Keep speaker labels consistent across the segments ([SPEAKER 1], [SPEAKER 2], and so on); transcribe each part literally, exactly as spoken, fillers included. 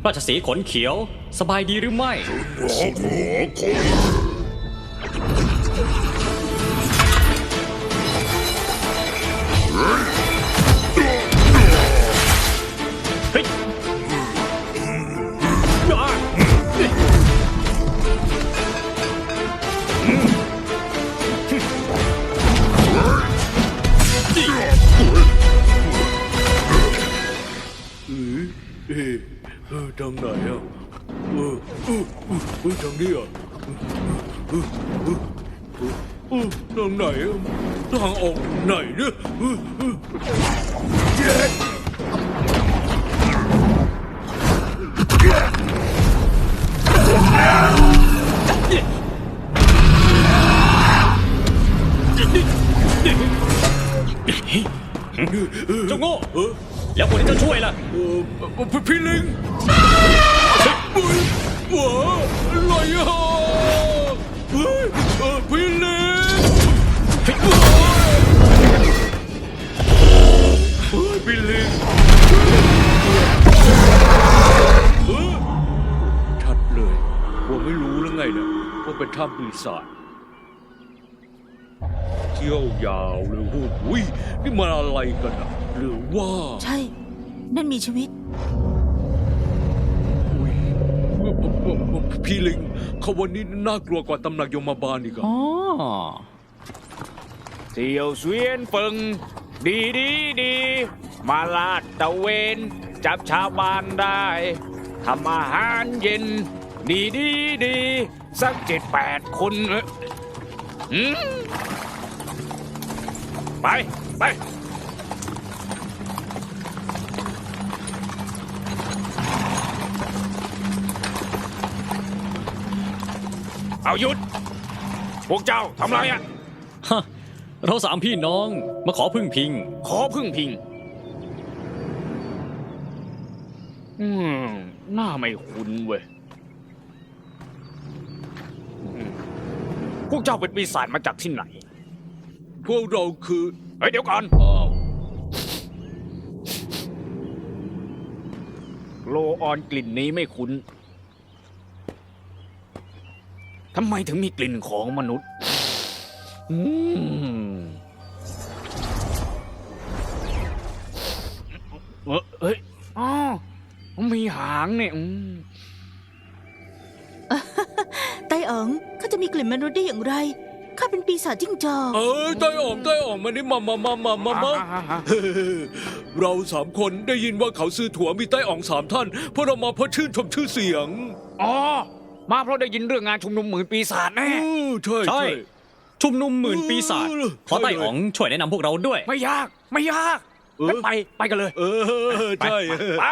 [SPEAKER 1] ราชสีห์ขนเขียวสบายดีหรือไม่เฮ้ย
[SPEAKER 2] เออทางไหนอ่ะเออเออเออทางนี้อ่ะเออเออเออทางไหนอ่ะทางออกไหนเนี่ยเออเออเจ็ด
[SPEAKER 1] เจ้าโง่แล้วคนที่จะช่วยล่ะ
[SPEAKER 2] เออพี่ลิงว้าอะไรอ่ะเฮ้ยพี่ลิงเฮ้ยพี่ลิงชัดเลยว่าไม่รู้แล้วไงนะว่าเป็นถ้ำปีศาจเที่ยวยาวเลยโอ้โหนี่มันอะไรกันอ่ะหรือว่า
[SPEAKER 3] ใช่นั่นมีชีวิต
[SPEAKER 2] พี่ลิงเขาวันนี้น่ากลัวกว่าตำหนักยมบาลอีกอ่ะ
[SPEAKER 1] อ๋อ
[SPEAKER 4] เที่ยวเสวียนเฟิงดีดีดีมาลาดตะเวนจับชาวบ้านได้ทำอาหารเย็นดีดีดีสักเจ็ดแปดคนอืมไปไปเอาหยุดพวกเจ้าทำไรอ่ะ
[SPEAKER 1] ฮะเราสามพี่น้องมาขอพึ่งพิง
[SPEAKER 4] ขอพึ่งพิงอืมหน้าไม่คุ้นเว้ยพวกเจ้าเป็นปีศาจมาจากที่ไหน
[SPEAKER 2] พวกเราคือ
[SPEAKER 4] เฮ้ยเดี๋ยวก่อนโลออนกลิ่นนี้ไม่คุ้นทำไมถึงมีกลิ่นของมนุษย์อืมเฮ้ยอ๋อมีหางเนี่ย
[SPEAKER 3] ไต้อ๋องเขาจะมีกลิ่นมนุษย์ได้อย่างไรข้าเป็นปีศาจจิ้งจอก
[SPEAKER 2] เออไต้อ๋องไต้อ๋องมานี่มามามามามามาเราสามคนได้ยินว่าเขาซื้อถั่วมีไต้อ๋องสามท่านเพราะเรามาเพราะชื่นชมชื่อเสียง
[SPEAKER 4] อ๋อมาเพราะได้ยินเรื่องงานชุมนุมหมื่นปีศาจแน่
[SPEAKER 2] ใช่ใช่
[SPEAKER 1] ชุมนุมหมื่นปีศาจขอไต้อ๋องช่วยแนะนำพวกเราด้วย
[SPEAKER 4] ไม่ยากไม่ยากไปไปกันเลย
[SPEAKER 2] เออใช่
[SPEAKER 4] ไป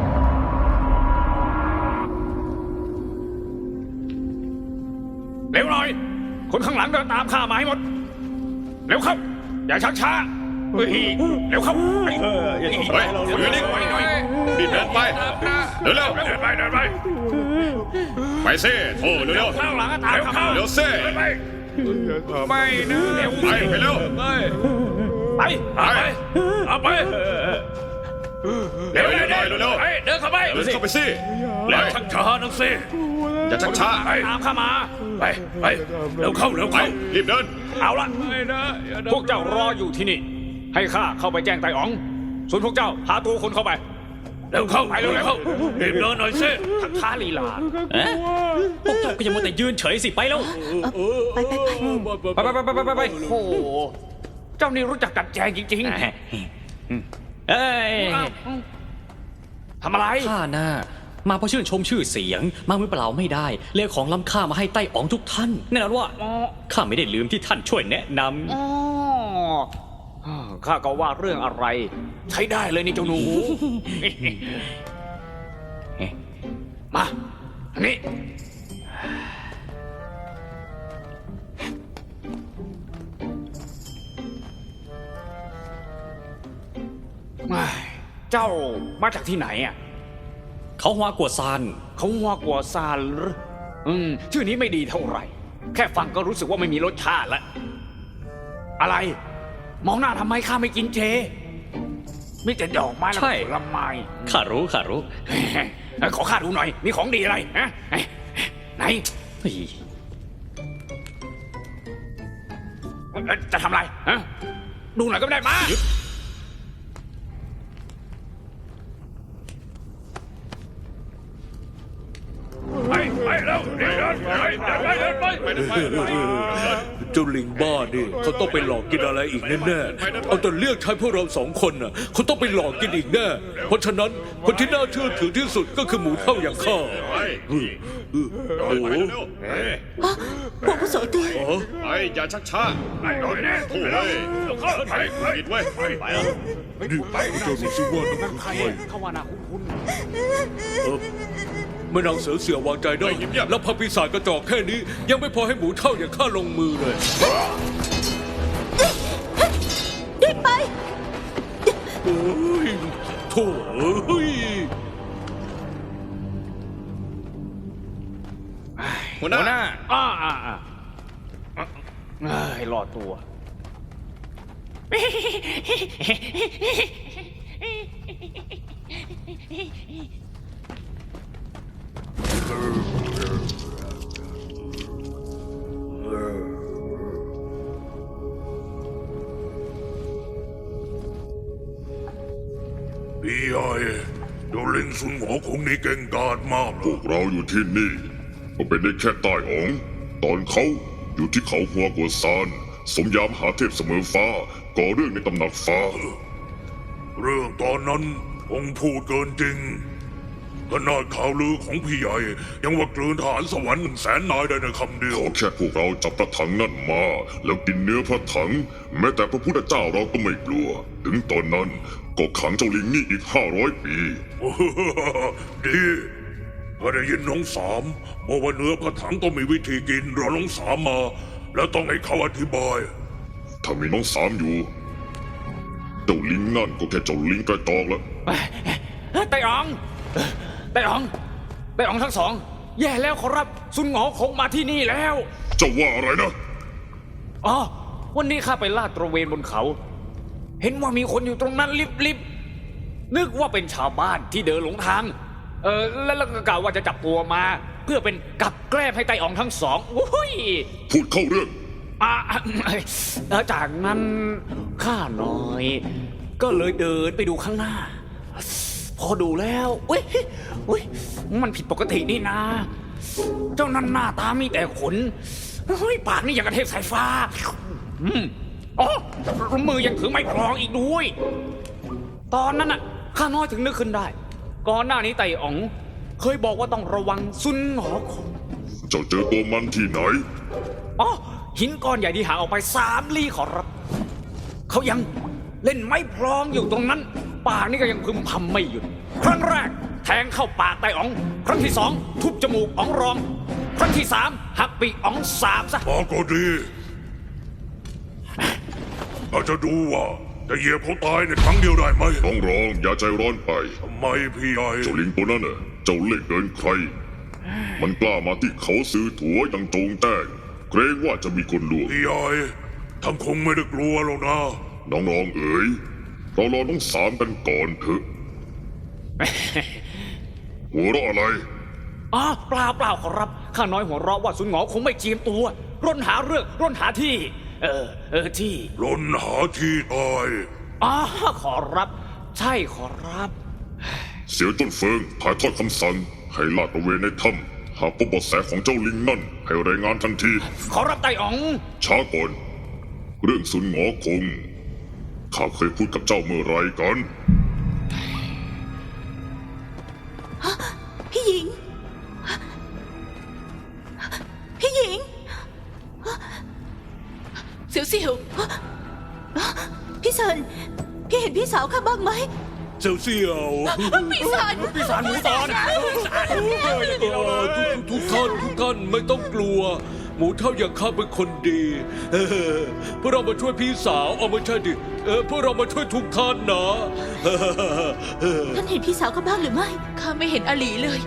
[SPEAKER 4] เร็วหน่อยคนข้างหลังเดินตามข้ามาให้หมดเร็วเข้าอย่าชักช้าเฮ้ยเร็วเข้า
[SPEAKER 5] เฮ้ยเราอยู่นิ่งรีบเดินไปเร็วเร็ว
[SPEAKER 4] เดินไปเดินไป
[SPEAKER 5] ไปสิโอ้เร็วเร็ว
[SPEAKER 4] ข้างหลังก็ตามเข้า
[SPEAKER 5] เร็วสิ
[SPEAKER 4] ไปไม่นะเร็ว
[SPEAKER 5] ไปไปเร็ว
[SPEAKER 4] ไปไปไปเอาไปเร็วเร็วเร็วเร็วเดินเข้าไป
[SPEAKER 5] เดินเข้าไปสิ
[SPEAKER 4] แล้วชักช้านักสิ
[SPEAKER 5] อย่าชักช้า
[SPEAKER 4] ตามข้ามาไปไปเร็วเข้าเร็วเข้า
[SPEAKER 5] รีบเดิน
[SPEAKER 4] เอาละพวกเจ้ารออยู่ที่นี่ให้ข้าเข้าไปแจ้งไต่อ๋องส่วนพวกเจ้าหาตัวคนเข้าไปเร็วเข้าไปเร็วเข้ารีบเดินหน่อยสิทักท้าลีลา
[SPEAKER 1] เอ๊ะพวกเจ้าก็ยังมัวแต่ยืนเฉยสิไปแล้ว
[SPEAKER 3] ไปไปไป
[SPEAKER 4] ไปไปไปไปไปโอ้เจ้านี่รู้จักกัดแจงจริง
[SPEAKER 1] ๆเอ้ย
[SPEAKER 4] ทำอะไร
[SPEAKER 1] ข้าน่ะมาเพราะชื่นชมชื่อเสียงมามือเปล่าไม่ได้เรียกของล้ำค่ามาให้ไต้อ๋องทุกท่านแน่นอนว่าข้าไม่ได้ลืมที่ท่านช่วยแนะน
[SPEAKER 4] ำข้าก็ว่าเรื่องอะไรใช้ได้เลยนี่เจ้าหนูมาอันนี้เจ้ามาจากที่ไหนอ่ะ
[SPEAKER 1] เขาฮวากัวซาน
[SPEAKER 4] เขาฮวากัวซานหรืออืมชื่อนี้ไม่ดีเท่าไหร่แค่ฟังก็รู้สึกว่าไม่มีรสชาติแล้วอะไรมองหน้าทำไมข้าไม่กินเจมีแต่ดอกไม้และผลไม้
[SPEAKER 1] ข้ารู้ข้ารู้
[SPEAKER 4] เออขอข้าดูหน่อย มีของดีอะไรฮะไหนไหน
[SPEAKER 1] เฮ้ย
[SPEAKER 4] เอ่อจะทำอะไรฮะดูหน่อยก็ไม่ได้มาไปไปแล้วเดินไปเดินไปเดินไป
[SPEAKER 5] ไปเดินไปเดินไป
[SPEAKER 2] เจ้าลิงบ้านี่เขาต้องไปหลอกกินอะไรอีกแน่ๆเอาแต่เลือกใช้พวกเราสองคนน่ะเขาต้องไปหลอกกินอีกแน่เพราะฉะนั้นคนที่น่าเชื่อถือที่สุดก็คือหมูเท่าอย่างข้า
[SPEAKER 5] ไป
[SPEAKER 2] โอ้โห
[SPEAKER 5] ไปเร็ว
[SPEAKER 3] อ๋อพวกผู้โสตี
[SPEAKER 5] ไปอย่าชักช้า
[SPEAKER 4] ไปหน่อยนะ
[SPEAKER 5] โถ่เว้ยไปผิดเว้ยไปแล้ว
[SPEAKER 2] นี่เจ้านี่ชื่อว่าน้องคุณใคร
[SPEAKER 4] เข้าว่านาคุ้น
[SPEAKER 2] เออแม่นางเสือเสียวางใจได้แล้วพระปีศาจกระจอกแค่นี้ ยังไม่พอให้หมูเท่าอย่างข้าลงมือเลย
[SPEAKER 3] รีบไป
[SPEAKER 2] โอ้ยโถ่เอ้ย
[SPEAKER 5] หัว
[SPEAKER 4] ๆ
[SPEAKER 5] หน้า
[SPEAKER 4] หัวหน้าอ่าอ่าอ่าเอ้ยรอดตัว
[SPEAKER 2] พี่ใหญ่เจ้าลิงซุนหัวคงนี่เก่งกาจมาก
[SPEAKER 6] พวกเราอยู่ที่นี่ก็เป็นได้แค่ใต้อ๋อง ตอนเขาอยู่ที่เขาหัวกัวซาน สมยามหาเทพเสมอฟ้าก่อเรื่องในตำหนักฟ้า
[SPEAKER 2] เรื่องตอนนั้นองค์พูดเกินจริงขนาดข่าวลือของพี่ใหญ่ ยังว่ากลืนทหารสวรรค์หนึ่งแสนนายได้ในคำเดียว
[SPEAKER 6] ขอแค่พวกเราจับพระถังนั่นมา แล้วกินเนื้อพระถัง แม้แต่พระพุทธเจ้าเราก็ไม่กลัว ถึงตอนนั้นก็ขังเจ้าลิงนี่อีกห้าร้อยปี
[SPEAKER 2] ดีพอได้ยินน้องสามบอกว่าเนื้อพระถังต้องมีวิธีกินรอน้องสามมา แล้วต้องให้เขาอธิบาย
[SPEAKER 6] ถ้ามีน้องสามอยู่ เจ้าลิงนั่นก็แค่เจ้าลิงกระจอกแล้ว
[SPEAKER 4] ไต่อ๋องไต่อ๋องไต่อ๋องทั้งสอง แย่แล้วขอรับซุนหงอคงมาที่นี่แล้ว
[SPEAKER 6] เจ้าว่าอะไรนะ
[SPEAKER 4] อ๋อวันนี้ข้าไปลาดตระเวนบนเขา เห็นว่ามีคนอยู่ตรงนั้นลิบๆนึกว่าเป็นชาวบ้านที่เดินหลงทาง เออแล้วแล้วก็กล่าวว่าจะจับตัวมา เพื่อเป็นกับแกล้มให้ไต่อ๋องทั้งสองโอ้ย
[SPEAKER 6] พูดเข้าเรื่อง
[SPEAKER 4] อ่ะเออจากนั้นข้าน้อย ก็เลยเดินไปดูข้างหน้า พอดูแล้วอุ้ยอุ้ยมันผิดปกตินี่นะ เจ้านั่นหน้าตามีแต่ขนเฮ้ยปากนี่อย่างกระเทพสายฟ้าอืมอ๋อมือยังถือไม้พลองอีกด้วย ตอนนั้นน่ะข้าน้อยถึงนึกขึ้นได้ ก่อนหน้านี้ไต่อ๋อง เคยบอกว่าต้องระวังซุนหอคง
[SPEAKER 6] เจ้าเจอตัวมันที่ไหน
[SPEAKER 4] อ๋อหินก้อนใหญ่ที่ห่างออกไปสามลี้ขอรับ เขายังเล่นไม้พลองอยู่ตรงนั้นปากนี่ก็ยังพึมพำไม่หยุด ครั้งแรกแทงเข้าปากไต่อ๋อง ครั้งที่สองทุบจมูกอ๋องรอง ครั้งที่สามหักปีกอ๋องสาบซะ
[SPEAKER 2] มาก็ดีเราจะดูว่าจะเหยียบเขาตายในครั้งเดียวได้ไหม
[SPEAKER 6] น้องรองอย่าใจร้อนไป
[SPEAKER 2] ทำไมพี่ใหญ่
[SPEAKER 6] เจ้าลิงตัวนั้นน่ะ เจ้าเล่ห์เกินใคร มันกล้ามาที่เขาซื้อถั่วอย่างโจงแจ้ง เกรงว่าจะมีคนลวง
[SPEAKER 2] พี่ใหญ่ท่านคงไม่ได้กลัวหรอกนะ
[SPEAKER 6] น้องรองเอ๋ย เรารอน้องสามกันก่อนเถอะ หัวเราะอะไร
[SPEAKER 4] อ๋อเปล่าเปล่าขอรับ ข้าน้อยหัวเราะว่าซุนหงอคงไม่เจียมตัว ร่นหาเรื่องร่นหาที่ เออ เออที่
[SPEAKER 2] ล้นหาที่ตาย
[SPEAKER 4] อ๋อขอรับ ใช่ขอรับ
[SPEAKER 6] เสียวต้นเฟิงถ่ายทอดคำสั่ง ให้ลาดตระเวนในถ้ำหากพบเบาะแสของเจ้าลิงนั่น ให้รายงานทันที
[SPEAKER 4] ขอรับไต่อ๋อง
[SPEAKER 6] ช้าก่อน เรื่องสุนหงอคง ข้าเคยพูดกับเจ้าเมื่อไรกัน
[SPEAKER 3] พี่หญิง พี่หญิง เสียวเสียวพี่สันพี่เห็นพี่สาวข้าบ้างไหม
[SPEAKER 2] เสียวเสียว
[SPEAKER 3] พี่สัน
[SPEAKER 4] พี่สารหมูตอน
[SPEAKER 2] เออทุกทุกทุกท่านทุกท่านไม่ต้องกลัว หมูเท่าอย่างข้าเป็นคนดีเออพวกเรามาช่วยพี่สาวเอาไม่ใช่ดิเออพวกเรามาช่วยทุกท่านนะเออเออ
[SPEAKER 3] ท่านเห็นพี่สาวข้าบ้างหรือไม่ข้าไม่เห็นอาหลีเลย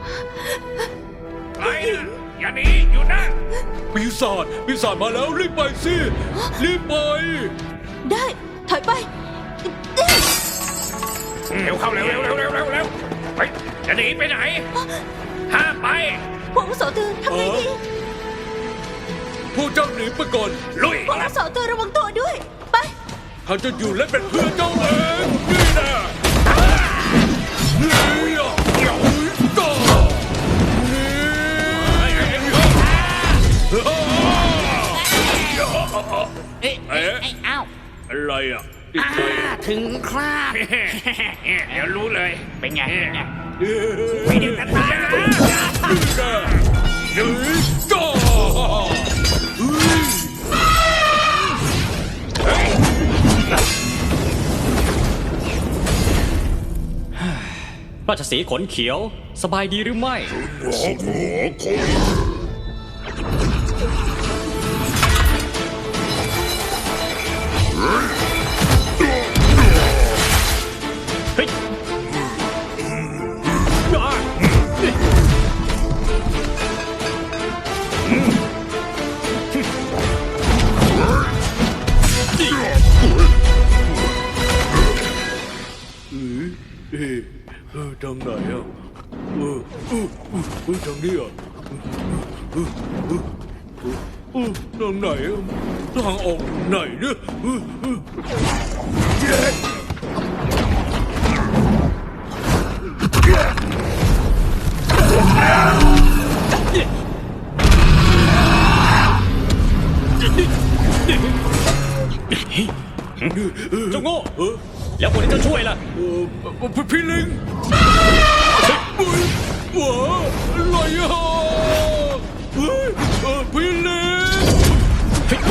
[SPEAKER 4] ไอ้อย่าหนีอยู่นะ
[SPEAKER 2] ปีศาจปีศาจมาแล้วรีบไปสิรีบไป
[SPEAKER 3] ได้ถอยไป
[SPEAKER 4] เร็วเข้าเร็วเร็วเร็วเร็วเร็วเร็วไปจะหนีไปไหน ห้ามไป
[SPEAKER 3] พวกอาวุโสตือทำไงดี
[SPEAKER 2] พวกเจ้าหนีไปก่อน
[SPEAKER 4] ลุย
[SPEAKER 3] พวกอาวุโสตือระวังตัวด้วย ไป
[SPEAKER 2] ข้าจะอยู่และเป็นเพื่อนเจ้าเองนี่นะนี่อ่ะนี่ต่อนี่
[SPEAKER 4] เอ๊ะ
[SPEAKER 2] เอ๊ะ
[SPEAKER 4] เอ้า
[SPEAKER 2] อะไรอ่ะอีกใคร
[SPEAKER 4] ถึงคราบ เดี๋ยวรู้เลย เป็นไงเป็นไง
[SPEAKER 2] ไม่ได้กันตายนะนี่นะนี่ต่อ
[SPEAKER 1] ราชสีห์ขนเขียวสบายดีหรือไม่
[SPEAKER 6] ขอขอขอ
[SPEAKER 1] เฮ้ยอ่ะ
[SPEAKER 2] เอ๊ะเออทางไหนอ่ะเออเออเออเออทางนี้อ่ะเออเออเออเออทางไหนอ่ะทางออกไหนเนี่ยเออเออเย้
[SPEAKER 1] เจ้าโง่
[SPEAKER 2] เออ
[SPEAKER 1] แล้วคนที่เจ้าช่วยล่ะ
[SPEAKER 2] เออพี่พี่ลิงเฮ้ยว้าอะไรอ่ะเฮ้ยเออพี่ลิงเฮ้ย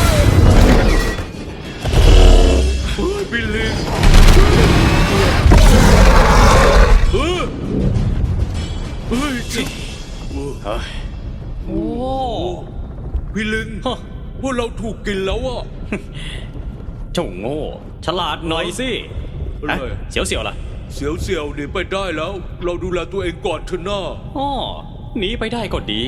[SPEAKER 2] เฮ้ยพี่ลิงเฮ้ยเฮ้ยจิ
[SPEAKER 1] โอ้
[SPEAKER 2] พี่ลิง
[SPEAKER 1] ฮะ
[SPEAKER 2] พวกเราถูกกินแล้วอ่ะ
[SPEAKER 1] เจ้าโง่ ฉลาดหน่อยสิ
[SPEAKER 2] อะไร
[SPEAKER 1] ฮะเสียวเสียวๆล่ะ
[SPEAKER 2] เสียวเสียวๆหนีไปได้แล้ว เราดูแลตัวเองก่อนเถอะหน้า
[SPEAKER 1] อ๋อหนีไปได้ก็ดี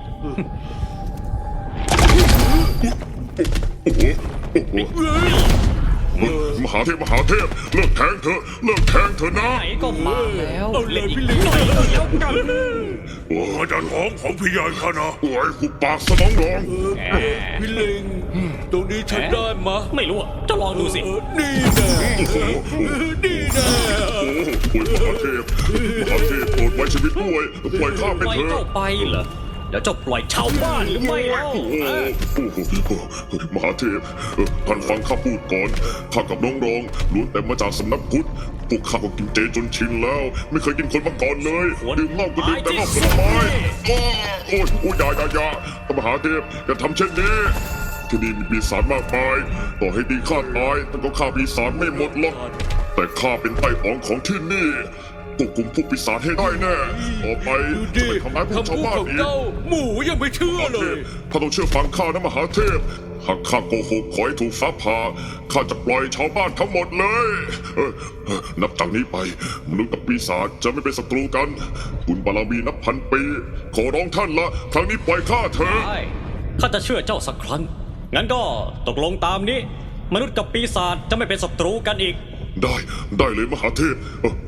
[SPEAKER 6] มหาเทพมหาเทพเลิกแทงเถอะเลิกแทงเถอะนะ
[SPEAKER 1] ไหนก็มาแล้ว
[SPEAKER 2] เอาเลย
[SPEAKER 1] เล่นอีก
[SPEAKER 2] พี่ลิง
[SPEAKER 1] หน่อยก็แล้วกัน
[SPEAKER 6] โอ้ยจะท้องของพี่ใหญ่ข้านะโอ้ยหุบปากสมองรอง
[SPEAKER 2] เออพี่ลิง ตรงนี้ใช้ได้มะ
[SPEAKER 1] ไม่รู้อะเจ้าลองดูสิ
[SPEAKER 2] เออนี่แน่นี่แน่
[SPEAKER 6] โอ้โหมหาเทพมหาเทพโปรดไว้ชีวิตด้วยปล่อยข้าไป
[SPEAKER 1] ปล่อย
[SPEAKER 6] เถ
[SPEAKER 1] เจ้า
[SPEAKER 6] อะ
[SPEAKER 1] ไปเหรอ แล้วเจ้าปล่อยชาวบ้านหรือไม่เล่า
[SPEAKER 6] โอ้โหมหาเทพเอ่อท่านฟังข้าพูดก่อนข้ากับน้องรองล้วนแต่มาจากสำนักพุทธพวกข้าก็กินเจจนชินแล้ว ไม่เคยกินคนมาก่อนเลยดื่มเหล้าก็ดื่มแต่เหล้าผลไม้อ้อโอ้ยโอ้ยอยาอยาอยามหาเทพอย่าทำเช่นนี้ที่นี่มีปีศาจมากมายต่อให้ดีข้าตายแต่ก็ฆ่าปีศาจไม่หมดหรอกแต่ข้าเป็นไต่อ๋องของที่นี่ควบคุมพวกปีศาจให้ได้แน่ต่อไป
[SPEAKER 2] ดู
[SPEAKER 6] จะ
[SPEAKER 2] ดิ
[SPEAKER 6] ไม่ทำร้ายพวกชาว
[SPEAKER 2] คำพูด
[SPEAKER 6] บ้าน
[SPEAKER 2] ของ
[SPEAKER 6] อีก
[SPEAKER 2] เจ้าหมูยังไม่เชื่อ
[SPEAKER 6] มหา
[SPEAKER 2] เล
[SPEAKER 6] เท
[SPEAKER 2] ย
[SPEAKER 6] พข้าต้องเชื่อฟังข้านะมหาเทพ หากข้าโกหกขอให้ถูกฟ้าผ่าข้าจะปล่อยชาวบ้านทั้งหมดเลยเออเออนับจากนี้ไป มนุษย์กับปีศาจจะไม่เป็นศัตรูกัน บุญบารมีนับพันปี ขอร้องท่านละ ครั้งนี้ปล่อยข้าเถอะ
[SPEAKER 1] ใช่ข้าจะเชื่อเจ้าสักครั้ง งั้นก็ตกลงตามนี้ มนุษย์กับปีศาจจะไม่เป็นศัตรูกันอีก
[SPEAKER 6] ได้ได้เลยมหาเทพเออ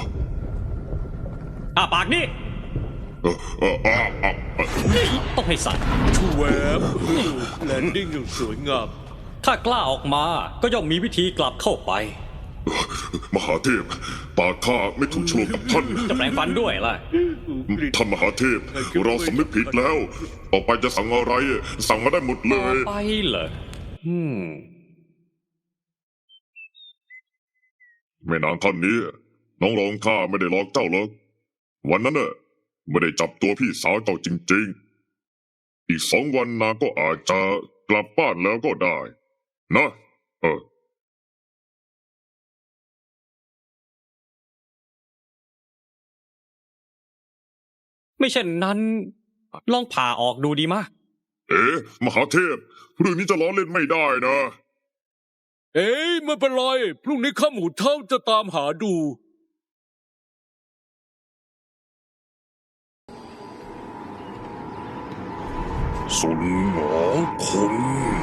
[SPEAKER 1] อ่าปากนี่
[SPEAKER 6] เออเออเออเออเออ
[SPEAKER 1] ต้องให้สั่น
[SPEAKER 2] ชูแวบแลนดิ้งอย่างสวยงาม
[SPEAKER 1] ถ้ากล้าออกมาก็ย่อมมีวิธีกลับเข้าไป
[SPEAKER 6] มหาเทพปากข้าไม่ถูกโฉลกกับท่าน
[SPEAKER 1] จะแปลงฟันด้วยล่ะ
[SPEAKER 6] ท่านมหาเทพ เราสำนึกผิดแล้ว ต่อไปจะสั่งอะไร สั่งมาได้หมดเล
[SPEAKER 1] ต่อย ไปเหรอ อืม
[SPEAKER 6] แม่นางท่านนี้ น้องรองข้าไม่ได้หลอกเจ้าหรอกวันนั้นน่ะไม่ได้จับตัวพี่สาวเจ้าจริงๆ อีกสองวันนางก็อาจจะกลับบ้านแล้วก็ได้ นะ เออ
[SPEAKER 1] ไม่เช่นนั้น ลองผ่าออกดูดีมะ
[SPEAKER 6] เอ๊ะมหาเทพเรื่องนี้จะล้อเล่นไม่ได้นะ
[SPEAKER 2] เอ้ยไม่เป็นไรพรุ่งนี้ข้าหมูเท่าจะตามหาดู
[SPEAKER 6] สุนหมอคง